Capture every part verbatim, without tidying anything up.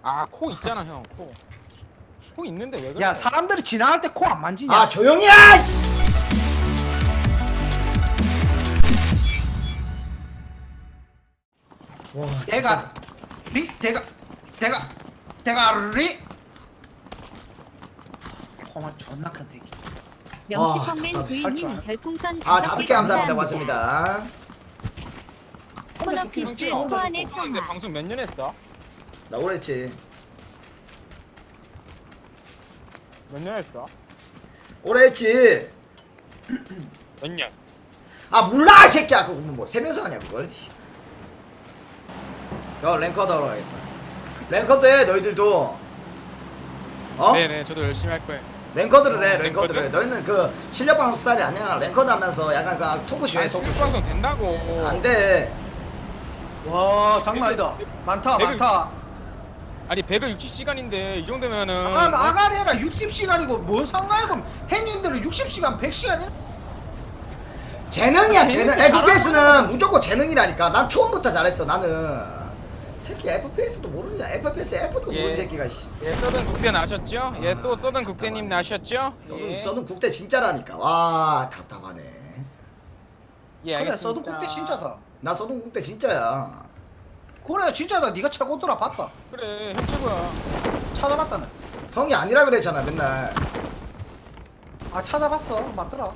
아 코 있잖아 형. 코. 코 있는데 왜 그래? 야 사람들이 지나갈 때 코 안 만지냐? 아 조용히 해! 와 내가 리 대가 대가 대가리 코만 존나 큰 새끼. 명치펑맨 아, 부인님 별풍선 아 다섯 다섯 개 개 감사합니다. 감사합니다. 고맙습니다. 코너피스 호환의 근데 평화. 방송 몇 년 했어? 나 오래 했지. 몇 년 했어? 오래 했지. 몇 년? 아 몰라 이 새끼야. 그거 뭐세 명서 하냐 그걸. 야 랭커드 하러 가겠다. 랭커드 해 너희들도. 어? 네네 저도 열심히 할 거예요. 랭커드를 해 랭커드를 해. 랭커드? 너희는 그 실력 방송 스타일이 아니야. 랭커드 하면서 약간 그 토크쇼 해 아니 토크쇼. 수익 방송 된다고. 안돼. 와 장난 아니다. 많다 백을- 많다. 아니 백육십 시간인데 이 정도면은. 아 아가리라 육십 시간이고 뭔 상관이야? 그럼 형님들은 육십 시간 백 시간이야? 재능이야 아, 재능. 재능이 에프피에스는 잘하는 무조건 재능이라니까. 난 처음부터 잘했어 나는. 새끼 에프피에스도 모르냐. 에프피에스 F도 예. 모르는 새끼가 이씨. 예 써든 국대 나셨죠? 예 또 써든 국대님 나셨죠? 써는, 예. 써는 국대 진짜라니까. 와 답답하네. 예 그래 알겠습니다. 써도 국대 진짜다. 나 써는 국대 진짜야. 그래 진짜다. 네가 최고더라 봤다. 그래 형 최고야. 찾아봤다네. 형이 아니라 그랬잖아 맨날. 아 찾아봤어. 맞더라.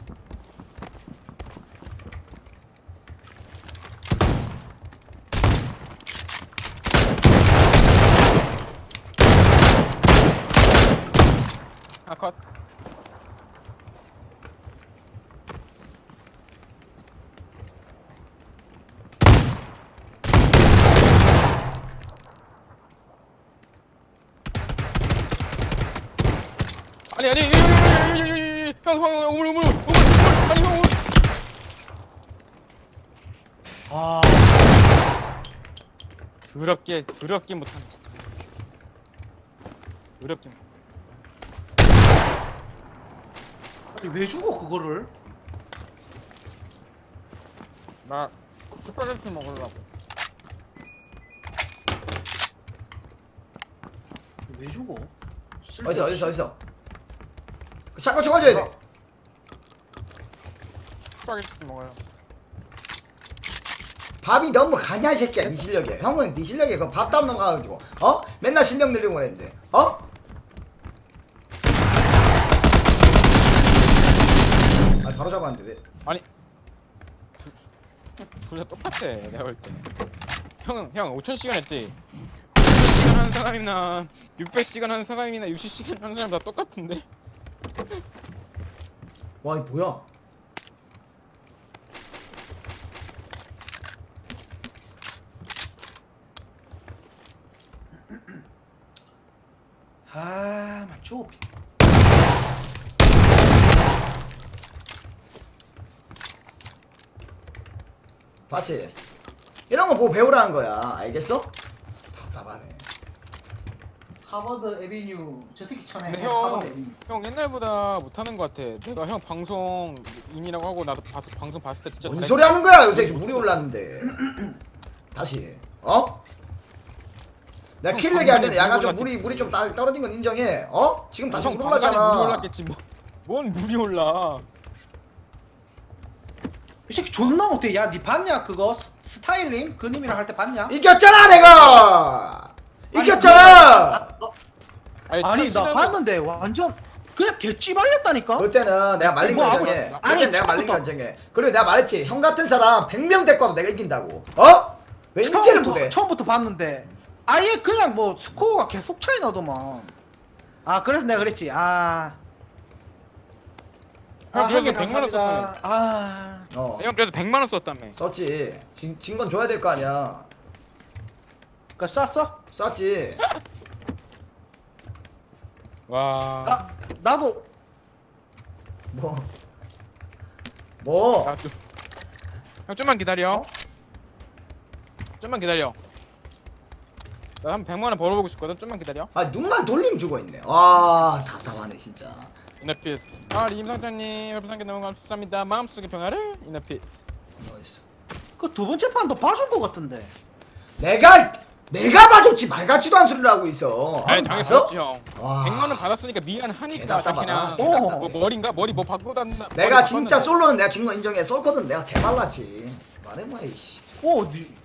아 컷. 아니 아니 형형 우물 우물 우물 아니 형 우물. 아 더럽게 더럽게 못하네. 더럽게. 못- 아니, 왜 죽어 그거를? 나 스파게티 먹으려고. 왜 죽어? 어디서 어디서 어디서. 그 샷건 쳐가줘야 돼. 스파게티 먹어요. 밥이 너무 가냐 이 새끼야 네 실력에. 형은 네 실력에 그 밥담 넘어가가지고 어? 맨날 실력 늘리고 그랬는데 어? 아 바로 잡았는데 왜? 아니 둘 다 똑같아 내가 볼 때. 형은 형 오천 시간 했지. 오천 시간 한 사람이나 육백 시간 한 사람이나 육십 시간 한 사람 다 똑같은데. 와 이거 뭐야? 아 맞죠. 봤지? 이런 거 보고 배우라는 거야 알겠어? 답답하네. 하버드 에비뉴 저 새끼 쳐내. 근데 형, 하버드 에비뉴. 형 옛날보다 못하는 것 같아. 내가 형 방송인이라고 하고 나도 봐, 방송 봤을 때 진짜 뭔 잘했- 소리 하는 거야 요새 물이 올랐는데. 다시 어? 내가 형, 킬 내기 할 때는 방금에 약간 물이 좀 물이 올랐겠지. 물이 좀 따- 떨어진 건 인정해. 어? 지금 다시 형 물 방간에 물이 올랐잖아. 올랐겠지 뭐. 뭔 물이 올라? 이 새끼 존나 못해. 야, 니 봤냐 그거 스, 스타일링 그 님이랑 할 때 봤냐? 이겼잖아 내가. 아니, 이겼잖아. 아, 너- 아니 첫 나 시간에- 봤는데 완전 그냥 개찌발렸다니까. 그럴 때는 내가 말린 뭐 거 하고 인정해. 있어? 그럴 아니, 때는 내가 말린 거 처음부터. 인정해. 그리고 내가 말했지. 형 같은 사람 백 명 데리고 와도 내가 이긴다고. 어? 왜 인지를 처음부터, 못해? 처음부터 봤는데 아예 그냥 뭐 스코어가 계속 차이 나더만. 아 그래서 내가 그랬지. 아. 아, 형 그래도 한개 백만 원 감사합니다. 아. 어. 형 그래서 백만 원 썼다며. 썼지. 진 건 줘야 될 거 아니야. 그 쌌어? 썼지. 와. 나 나도 뭐. 뭐. 나 좀. 형 좀만 기다려. 어? 좀만 기다려. 나 한 백만 원 벌어보고 싶거든. 좀만 기다려. 아 눈만 돌림 주고 있네. 와 답답하네 진짜. 이너피스. 아 임상장님 별풍선께 너무 감사합니다. 마음속의 평화를 이너피스. 어딨어? 그 두 번째 판도 봐준 거 같은데. 내가 내가 봐줬지 말 같지도 않은 소리를 하고 있어. 아니 봤어? 당연히 형. 와. 백만 원 받았으니까 미안하니까 개답답하다. 자기나 어. 뭐 머리인가 머리 뭐 바꾸고 다닌다. 내가 머리 진짜 바꿨는데. 솔로는 내가 진 거 인정해. 솔코든 내가 개발랐지. 말해 뭐해 이씨. 어 어디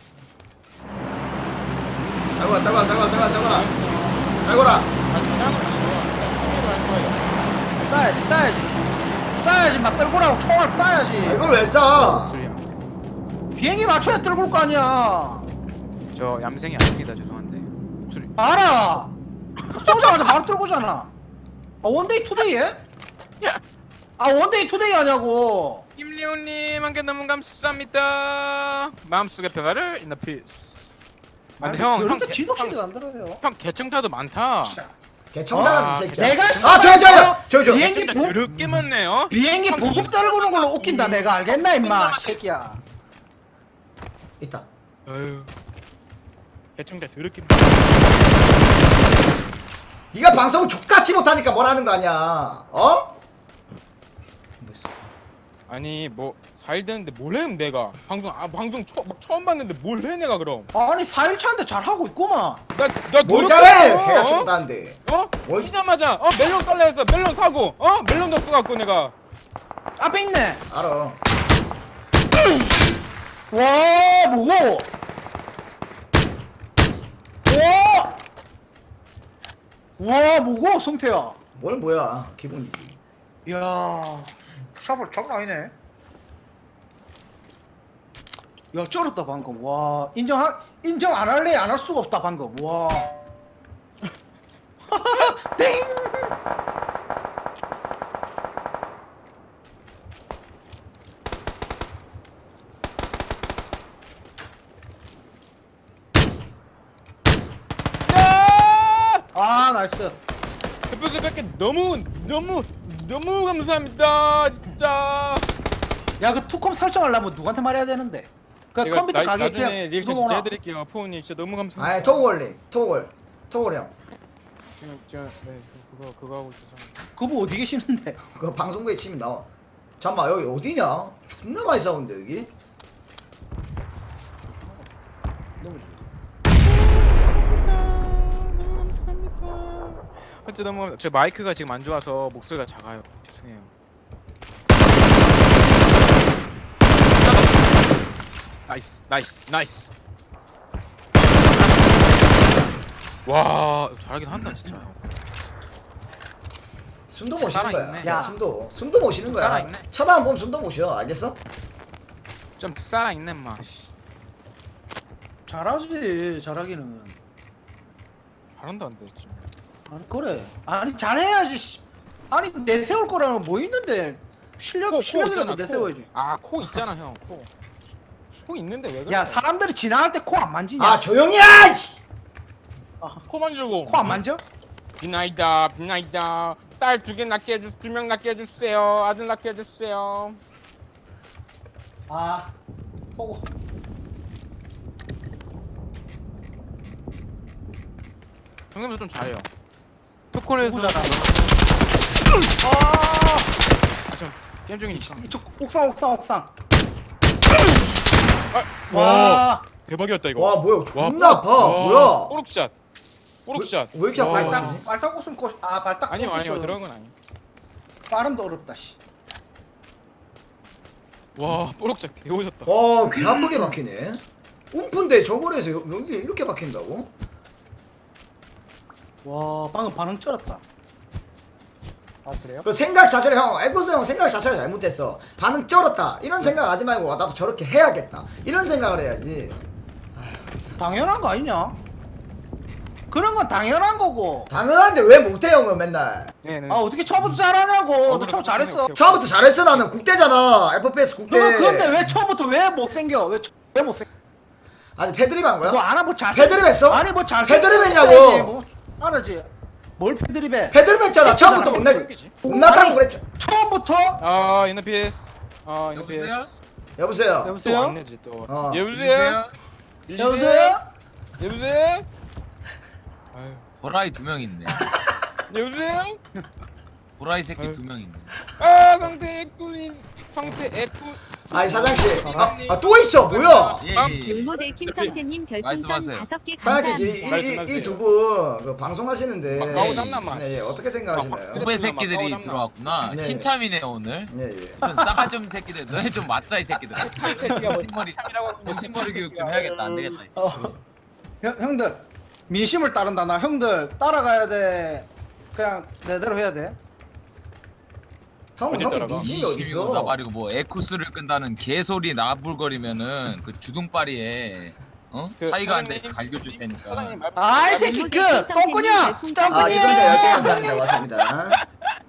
달고라 달고라 달고라 달고라 달고라 달고라. 아 전화는 아니고요. 그냥 취미로 할 거예요. 싸야지 싸야지 싸야지 막 떨고라고 총알 쏴야지 이걸 왜 쏴? 목소리야. 비행기 맞춰야 떨굴 거 아니야 저 얌생이 아닙니다. 죄송한데 목소리. 알아 쏘자마자 바로 떨고잖아 아 원데이 투데이에? 아 원데이 투데이 하냐고 김리호님 한 개 너무 감사합니다. 마음속의 평화를 in the peace. 아, 근데 형, 형, 그렇게 개- 지독시게 형, 안 들어요 형 개청자도 많다. 개청당한 아, 이 새끼야. 내가 아 저요 저요 저요 저. 비행기 개청자 보, 더럽게 많네요. 비행기 보급 떨구는 걸로 웃긴다 내가 알겠나 임마 새끼야 있다. 어휴. 개청자 더럽게. 네가 방송을 족같이 못하니까 뭐라는 거 아니야. 어? 아니 뭐 사 일 됐는데 뭘 해? 내가 방송 아 방송 처, 막 처음 봤는데 뭘 해 내가 그럼? 아니 사 일 차인데 잘하고 있구만 나나 뭘 잘해? 개가 친다는데. 어? 뭘- 오자마자 어 멜론 깔라 했어. 멜론 사고 어 멜론도 없어갖고 내가 앞에 있네 알아. 와 뭐고 와와 뭐고 성태야 뭘 뭐야? 기본이지. 이야 샤블 장난 아니네 야 쩔었다 방금 와 인정 인정 안 할래 안 할 수가 없다 방금 와 땡! 야! 아 나이스 대표님 뵙게 너무 너무 너무 감사합니다 진짜. 야 그 투컴 설정하려면 누구한테 말해야 되는데 그 제가 컴퓨터 나, 가게 나중에 리액션 누구 진짜 오나? 해드릴게요. 포우님 진짜 너무 감사합니다. 아이 토골님 토골 토골 형. 지금 저네 그거 그거 하고 있어서. 그분 어디 계시는데 그 방송국에 치면 나와. 잠깐만 여기 어디냐? 존나 많이 싸우는데 여기. 너무 좋다 감사합니다. 너무 감사합니다. 어째 너무 감사- 저 마이크가 지금 안 좋아서 목소리가 작아요. 죄송해요. 나이스, 나이스, 나이스. 와, 잘하긴 한다 진짜. 숨도 못 쉬는 거야. 살아있네. 야 숨도 숨도 못 쉬는 거야. 살아있네. 쳐다만 보면 숨도 못 쉬어. 알겠어? 좀 살아 있네 마. 잘하지 잘하기는 잘한다는데 지금. 아니 그래 아니 잘해야지 씨. 아니 내세울 거라는 뭐 있는데 실력 실력이라도 내세워야지 아, 코 있잖아 형. 코. 코 있는데 왜 그래? 야 사람들이 지나갈 때 코 안 만지냐 아 조용히 해! 이씨! 코 만지고. 코 안 만져? 비나이다, 비나이다. 딸 두 개 낳게 해주, 두 명 낳게 해주세요. 아들 낳게 해주세요. 아 보고 정ем도 좀 잘해요. 토콜에서 누구잖아 아, 좀 게임 중이니까. 이쪽 옥상 옥상 옥상 아, 와 대박이었다 이거. 와 뭐야 존나 와, 아파. 와, 뭐야? 뽀록샷. 뽀록샷. 왜- 왜 이렇게 와. 아파? 발딱 발딱 웃음 코아 발딱 아니요 아니요 꽂았어. 그런 건 아니에요. 발음도 어렵다 씨 와 뽀록샷 개오졌다. 와, 개 아프게 막히네. 움픈데 저걸 해서 여- 여기 이렇게 막힌다고? 와 방금 반응 쩔었다 아 그래요? 그 생각 자체를 형, 에코스 형 생각 자체가 잘못했어. 반응 쩔었다. 이런 생각 하지 말고 와, 나도 저렇게 해야겠다. 이런 생각을 해야지. 당연한 거 아니냐? 그런 건 당연한 거고 당연한데 왜 못해 형은 맨날. 네네. 아 어떻게 처음부터 잘하냐고 너 처음 잘했어 오케이. 처음부터 잘했어. 나는 국대잖아. 에프피에스 국대. 너 근데 왜 처음부터 왜 못생겨? 왜, 처- 왜 못생겨? 아니 패드립 한 거야? 뭐 안하 뭐 잘. 패드립 했어? 아니 뭐 잘. 패드립 했냐고. 뭐, 알았지. 뭘 패드립해? 패드립 했잖아. 처음부터 못내 지 못났다고 아니, 그랬죠. 처음부터 아 인너피스. 아 여보세요? 인너피스. 여보세요. 여보세요? 또안 내지 또. 어. 여보세요? 여보세요? 여보세요? 아유. 보라이 두 명 있네. 여보세요? 보라이 새끼 아유. 두 명 있네. 아 성태 애꾸인 성태 애꾸 아이 사장씨 아 또 있어 뭐야 예, 아, 예, 예. 롤모델 김성태님 별풍선 말씀하세요. 다섯 개 사장씨 감사합니다. 말씀하세요. 이 두 분 그 방송하시는데 막 까오잡나마. 네, 예, 어떻게 생각하시나요? 후배 새끼들이 들어왔구나. 네. 신참이네 오늘. 예, 예. 그런 싸가지 없는 새끼들. 너네 좀 맞자 이 새끼들. 정신머리 정신머리 교육 좀 해야겠다. 안 되겠다. 이 새끼. 어. 형, 형들 민심을 따른다. 나 형들 따라가야 돼. 그냥 내대로 해야 돼. 형, 어디 형이 따라가? 니집이 이십이고 어딨어? 나발이고 뭐 에쿠스를 끈다는 개소리 나불거리면은 그 주둥파리에 어? 그 사이가 안 되니까 사장님, 갈겨줄 테니까. 사장님 말 아이 새끼 그 똥꾸냐 아 짱꾸냐. 이동자 열 개 감사합니다 고맙습니다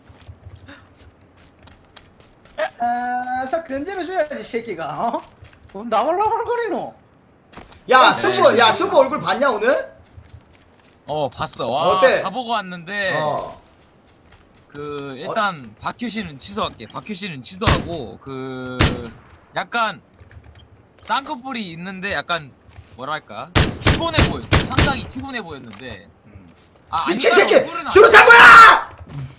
살살 건드려 줘야지 새끼가. 어? 어, 나올라불거리노. 야 그래. 수보 야 수보 얼굴 봤냐 오늘? 어 봤어. 와 어때? 다 보고 왔는데 어 그 일단 박규 씨는 취소할게. 박규 씨는 취소하고 그 약간 쌍꺼풀이 있는데 약간 뭐랄까 피곤해 보였어. 상당히 피곤해 보였는데. 아 미친 아니면 새끼 얼굴은 안- 수류탄 뭐야!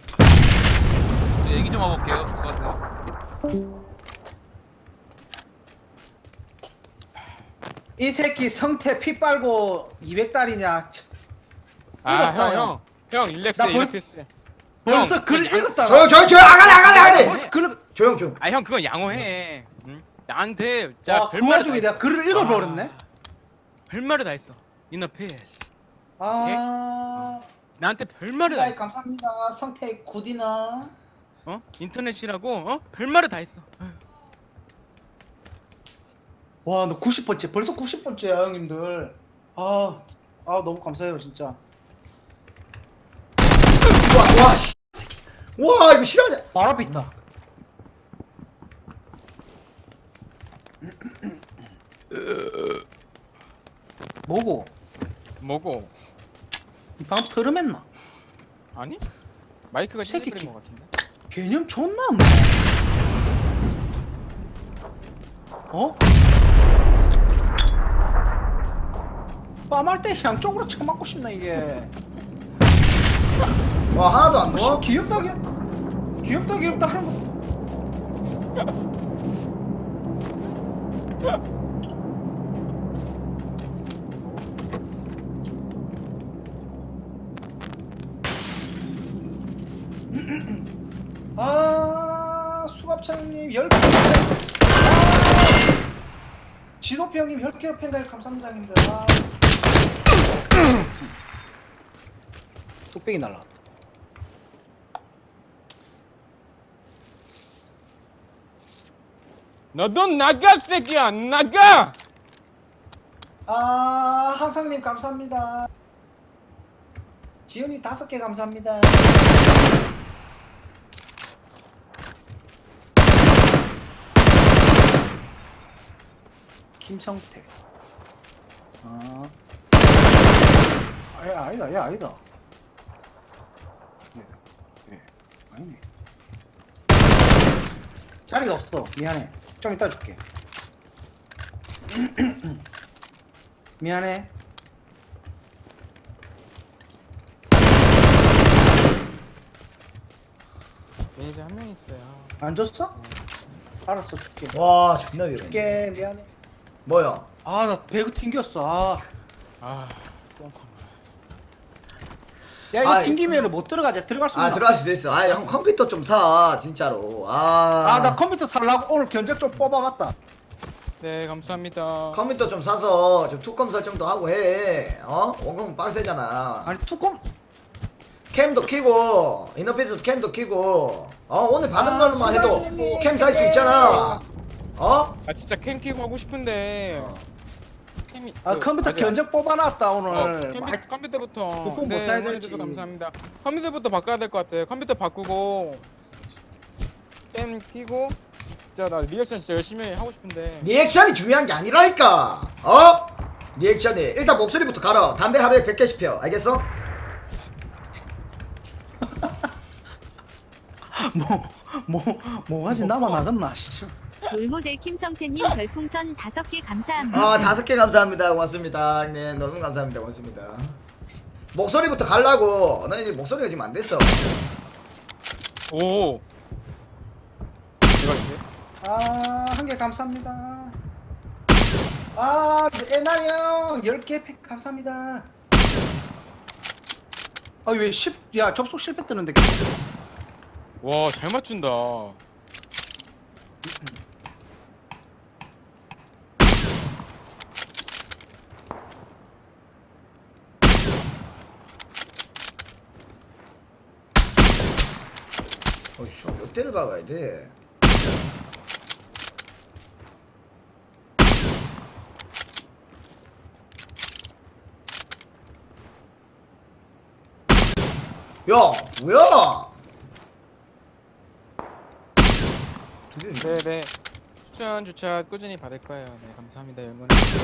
네, 얘기 좀 하고 올게요. 수고하세요. 이 새끼 성태 피 빨고 이백 달이냐. 아, 읽었다, 형, 형. 형, 일렉스, 나 벌- 일렉스. 벌써 형, 글 그건 양- 읽었다. 조용 조용 조용 아가리 아가리 아가리 벌써 글을 조용 조용 아, 형, 그건 양호해. 응? 나한테, 와, 자, 그 별말을 와중에 다 내가 했어. 글을 읽어버렸네. 아, 별말을 다 했어. 인어 페스. 아, 나한테 별말을 다 아이, 했어. 감사합니다. 성태 굿이나. 어? 인터넷이라고, 어? 별말을 다 했어. 아휴. 와, 너 구십 번째. 벌써 구십 번째야, 형님들. 아, 아 너무 감사해요, 진짜. 와와 씨 새끼 와 이거 실화냐 말 앞에 있다. 뭐고? 뭐고? 이 방금 트름했나? 아니? 마이크가 새끼 시즈버린 것 같은데? 개념 존나 없네. 어? 빰할 때 양쪽으로 쳐맞고 싶나 이게. 와 하나도 안 어? 넣어? 귀엽다 귀엽. 귀엽다 귀엽다 하는 거. 아 수갑차 형님 열 개. 아, 지도표 형님 열 개로 팬가입 감사합니다 형님들. 아. 뚝배기 날라왔다. 너도 나가, 새끼야! 나가! 아 항상님 감사합니다. 지훈이 다섯 개 감사합니다. 김성태. 아, 아야 아니다, 야 아니다. 예, 예, 아니네. 자리가 없어. 미안해. 좀 이따 줄게. 미안해. 매니저 한 명 있어요. 안 줬어? 알았어, 줄게. 와 존나 위험해 줄게, 미안해. 뭐야 아, 나 배그 튕겼어. 아, 아, 똥컴. 야 이거 아, 튕기면은 못 들어가지. 들어갈 수 있나? 아 들어갈 수도 있어 아 형 컴퓨터 좀 사 진짜로 아 아, 나 컴퓨터 살라고 오늘 견적 좀 뽑아봤다. 네, 감사합니다. 컴퓨터 좀 사서 좀 투컴 설정도 하고 해 어? 원컴은 빡세잖아 아니 투컴. 캠도 키고 인터페이스도 캠도 키고 어 오늘 받은 아, 걸로만 해도 수고하시네. 캠 살 수 있잖아 어? 아, 진짜 캠 키고 하고 싶은데. 캠이. 아, 그, 컴퓨터 맞아. 견적 뽑아놨다 어, 오늘. 컴퓨터, 많이- 컴퓨터부터. 부품 못 네, 사야 응원해줘서 될지. 감사합니다. 컴퓨터부터 바꿔야 될 것 같아. 컴퓨터 바꾸고. 캠 키고. 진짜 나 리액션 진짜 열심히 하고 싶은데. 리액션이 중요한 게 아니라니까 어? 리액션이 일단 목소리부터 갈아 담배 하루에 백 개씩 펴 알겠어? 뭐, 뭐, 뭐가지 나만 나갔나? 씨. 롤모델 김성태님 별풍선 다섯 개 감사합니다. 아 다섯 개 감사합니다 고맙습니다 네 너무 감사합니다 고맙습니다 목소리부터 갈라고 나 이제 목소리가 지금 안 됐어 오. 대박인데? 아, 한 개 감사합니다. 아, 에나리 형, 열 개 팩 감사합니다. 아, 왜 십, 야, 접속 실패 뜨는데. 와, 잘 맞춘다. 어이씨, 몇 대를 박아야 돼? 야, 뭐야? 드디어 네네. 추천 주차 꾸준히 받을 거예요. 네, 감사합니다. 영원.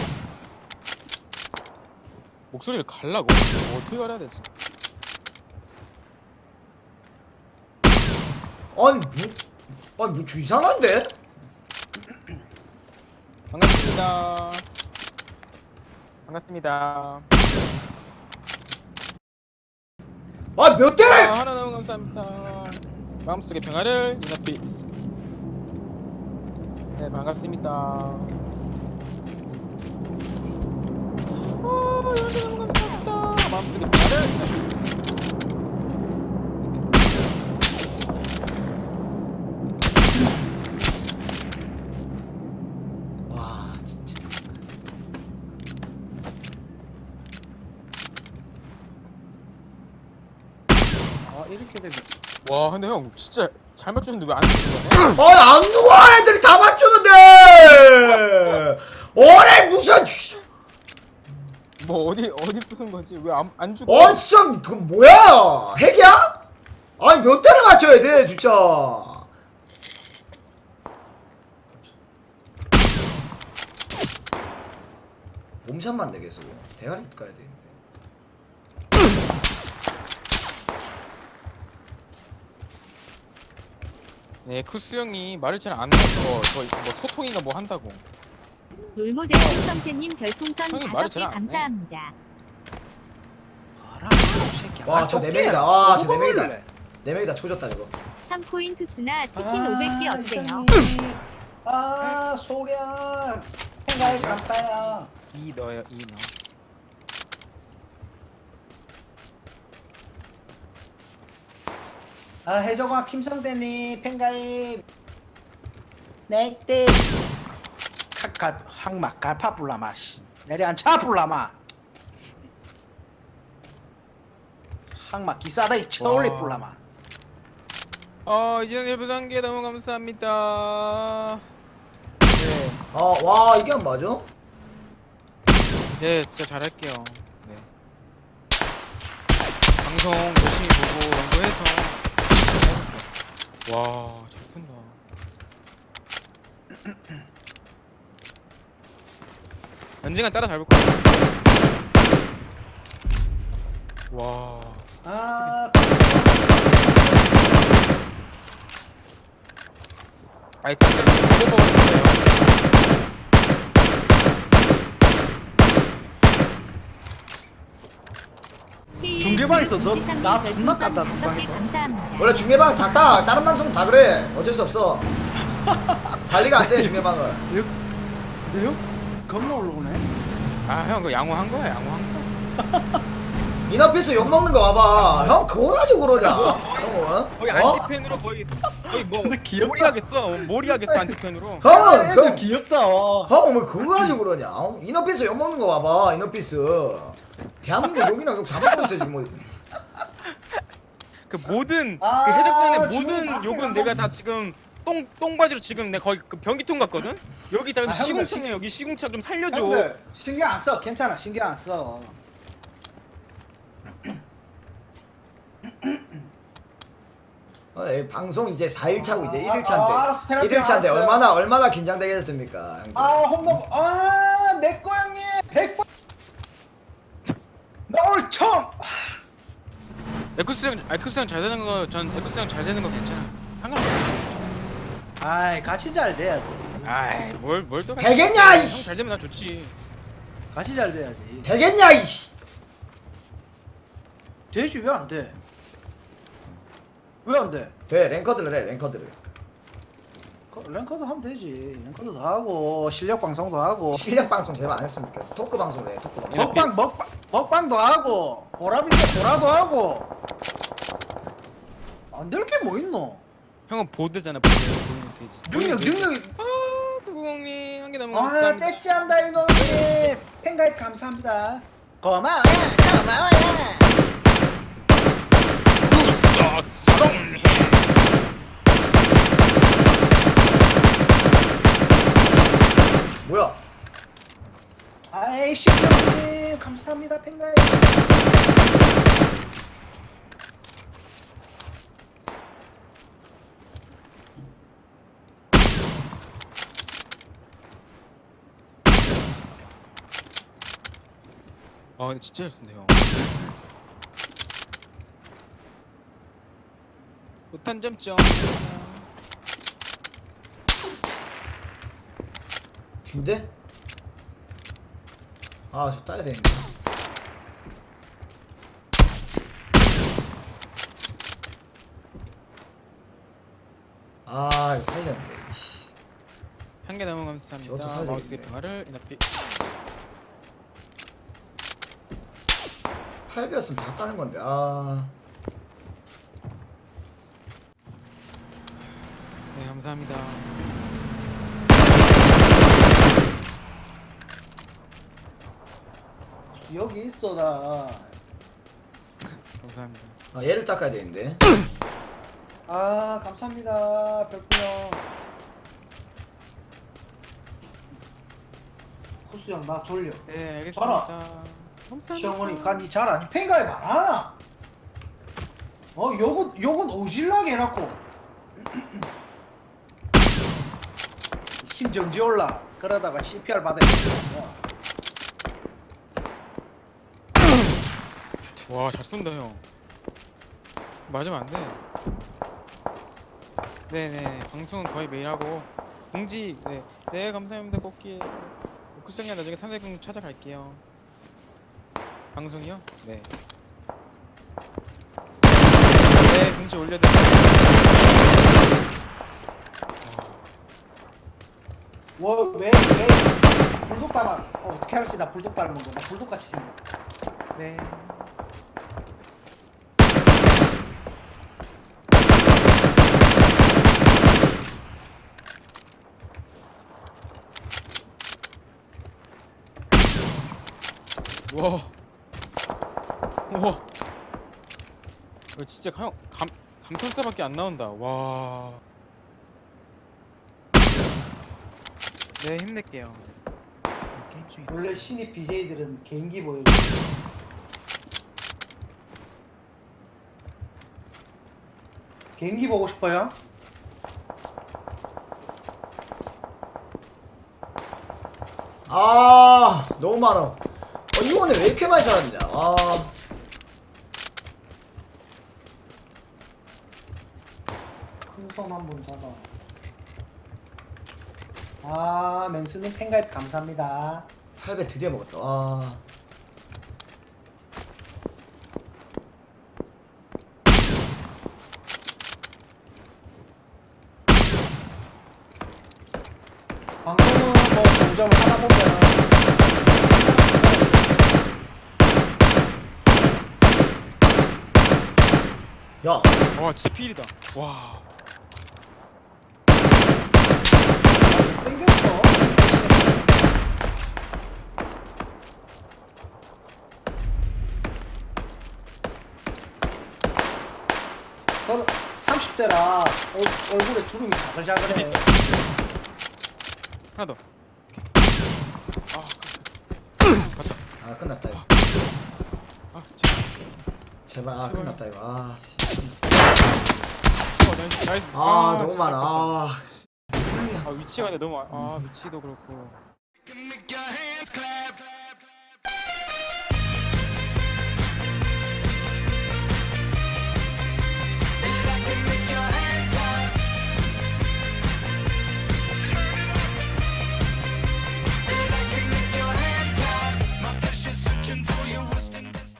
목소리를 갈라고? 뭐 어떻게 갈아야 되지? 아니, 뭐, 아니, 뭐좀 이상한데? 반갑습니다. 반갑습니다. 아, 몇 아, 대를? 하나 너무 감사합니다. 마음속의 평화를 이너피스. 네, 반갑습니다. 아, 여러분 너무 감사합니다. 마음속의 평화를 이너피스. 와, 진짜. 아, 이렇게 되면. 와, 근데 형 진짜 잘 맞추는데 왜 안 쓰는 거네? 아니, 안 누워! 애들이 다 맞추는데! 어래, 무슨. 뭐 어디 어디 쓰는 거지? 왜 안 안 주고? 아니, 진짜, 그 뭐야? 핵이야? 아니, 몇 대를 맞춰야 돼, 진짜. 몸샷만 내겠어. 대가리 가야 되는데. 네, 쿠스 형이 말을 잘 안 해서 저뭐 소통인가 뭐 한다고. 롤모델 김성태님 별풍선 형이 다섯 말을 개 잘안 해. 감사합니다. 알아, 이 새끼야. 와, 아, 저 네 좁게. 명이다. 와, 저 네 뭐 명이다. 먹을래? 네 명이다. 조졌다, 이거. 삼 코인 투스나 치킨 아, 오백 개 어때요? 이사님. 아, 소련. 팬가입 감사해요. 이 너요, 이 너. 아, 해적아 김성대님 팬가입. 넥대. 칼칼 항마 갈파 불라마 씨. 내려앉아 불라마. 항마 기사다이 처올리 와. 불라마. 어, 이제는 일부 단계 너무 감사합니다. 네, 아, 와, 이게 안 맞아? 네, 진짜 잘할게요. 네. 방송 열심히 보고 연구해서 해볼게요. 와, 잘 쓴다. 언젠간 따라 잡을 거야. 와. 아, 아이, 근데 이거 먹었어요. 중계방에서 너- 이지삼님 나 별풍선 존나 깐다, 다섯 개 중계방에서. 감사합니다. 원래 중계방 작다. 다른 방송 다 그래. 어쩔 수 없어. 관리가 안 돼, 중계방은. 근데 형 겁나 올라오네. 아, 형, 그거 양호한 거야, 양호한 거. 이너피스 욕먹는 거 봐봐. 형, 그거 가지고 그러냐? 형은? 거의 어? 안티팬으로 거의, 거의 뭐, 근데 귀엽다. 몰이 하겠어. 몰이 하겠어, 안티팬으로. 형은, 애들 그, 귀엽다. 형은 왜 그거 가지고 그러냐? 어? 이너피스 욕먹는 거 봐봐, 이너피스. 대한민국 욕이나 욕다 먹고 있어, 지금 뭐. 그 모든, 아, 그 해적단의 지금 모든 밖에 욕은 나가- 내가 다 지금 똥, 똥바지로 지금 내 거의 그 변기통 같거든? 여기 다 아, 형들 시궁창이야, 여기 시궁창 좀 살려줘. 형들 신경 안 써. 괜찮아. 신경 안 써. 어, 이 방송 이제 사 일 차고 이제 아, 일 일 아, 알았어, 차인데. 테라피 일 일 차인데 알았어요. 얼마나, 얼마나 긴장되겠습니까? 형들? 아, 홈런. 아, 내꺼 형님. 백 번. 나 오늘 처음. 에쿠스 형, 에쿠스 형 잘 되는 거, 전 에쿠스 형 잘 되는 거 괜찮아. 상관없어. 아이, 같이 잘 돼야지. 아이, 뭘, 뭘 또. 되겠냐, 이씨! 형잘 되면 나 좋지. 같이 잘 돼야지. 되겠냐, 이씨! 되지 왜 안 돼? 왜 안 돼? 돼, 랭커들을 해, 랭커들을. 랭커, 랭커도 하면 되지. 랭커도 더 하고 실력 방송도 하고 실력 방송 제발 안 했으면 좋겠어. 토크 방송을 해. 토크 방송. 먹방 먹방 먹방도 하고 보라비도 보라도 하고 안 될 게 뭐 있노? 형은 보드잖아 보드. 보이는 돼지. 능력 능력이 아 구구공님 한 개 남은 거 아 감사합니다. 떼찌한다 이놈이 팬가입 감사합니다. 고마워요 고마워요. 아, 사랑해. 뭐야? 아이씨 형님 감사합니다 팬가입. 아 근데 진짜 잘 쏜다 형. 못한 점점. 뒤인데? 아, 저 따야 되는데. 아, 이거 살렸는데. 이씨. 한 개 남은 거 저것도 감사합니다. 사야 마우스의 되겠네. 평화를 인합히. 팔 배였으면 다 따는 건데. 아. 네 감사합니다. 여기 있어 나. 감사합니다. 아, 얘를 닦아야 되는데. 아 감사합니다 별풍형. 후수 형나 졸려. 네 알겠습니다. 감사합니다. 시어머니 간이 잘 아니 팬가입 안 하나? 어 요건 요건 오질나게 해놨고 심정지 올라 그러다가 씨피알 받아야 돼. 와 잘 쏜다 형. 맞으면 안 돼. 네네 방송은 거의 매일 하고 공지 네, 네 감사합니다 꽃기. 쿠성이 나중에 삼색공 찾아갈게요. 방송이요? 네. 네 공지 올려드릴게요. 뭐왜왜 불독 닮아? 어, 어떻게 알았지 나 불독 닮은 거? 나 불독 같이 생겼. 네. 와. 우와. 이거 진짜 형 감 감탄사밖에 안 나온다. 와. 네 힘낼게요. 게임 중에. 원래 신입 비제이들은 개인기 보여줘. 개인기 보고 싶어요? 아, 너무 많아. 어, 이거는 왜 이렇게 많이 살았냐. 아. 큰 손 한번 잡아. 아 맹수님 팬가입 감사합니다. 팔 배 드디어 먹었다. 아. 방송은 뭐 점점 하다 보면 야. 와 진짜 필이다. 와. 생겼어. 서른 삼십 대라 얼굴에 주름이 자글자글해. 하나 더. 아, 끝. 맞다. 아, 끝났다 이거. 아, 제발. 제발. 아, 제발. 끝났다 이거. 아, 씨. 어, 나이스, 나이스. 아, 너무 진짜 많아. 아깝다. 아. 아, 위치가 근데 너무, 아, 위치도 그렇고.